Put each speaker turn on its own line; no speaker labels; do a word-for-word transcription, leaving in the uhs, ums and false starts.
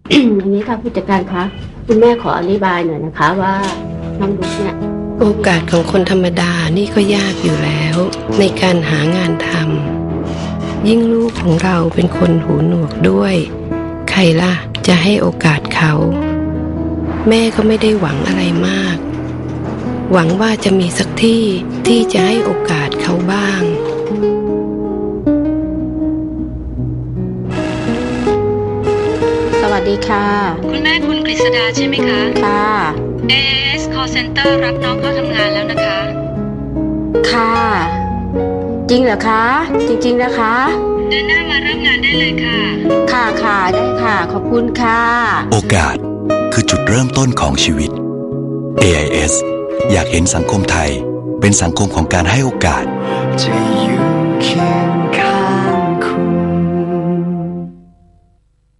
อันนี้ค่ะผู้จัดการคะคุณแม่ขออธิบายหน่อยนะคะว่าน้องดุ๊กเนี่ย
โอกาสของคนธรรมดานี่ก็ยากอยู่แล้วในการหางานทำยิ่งลูกของเราเป็นคนหูหนวกด้วยใครล่ะจะให้โอกาสเขาแม่ก็ไม่ได้หวังอะไรมากหวังว่าจะมีสักที่ที่จะให้โอกาสเขาบ้าง
สวัสดีค่ะ
คุณแม่คุณกฤษดาใช่ไหมคะ
ค่ะ
เอ เอส Call Center รับน้องเข้าทำงานแล้วนะคะ
ค่ะจริงเหรอคะจริงๆนะคะ
เดือนหน้ามาเริ่มงานได้เลยค่ะ
ค่ะค่ะได้ค่ะขอบคุณค่ะ
โอกาสคือจุดเริ่มต้นของชีวิต เอ ไอ เอส อยากเห็นสังคมไทยเป็นสังคมของการให้โอกาสจะอยู่เคียง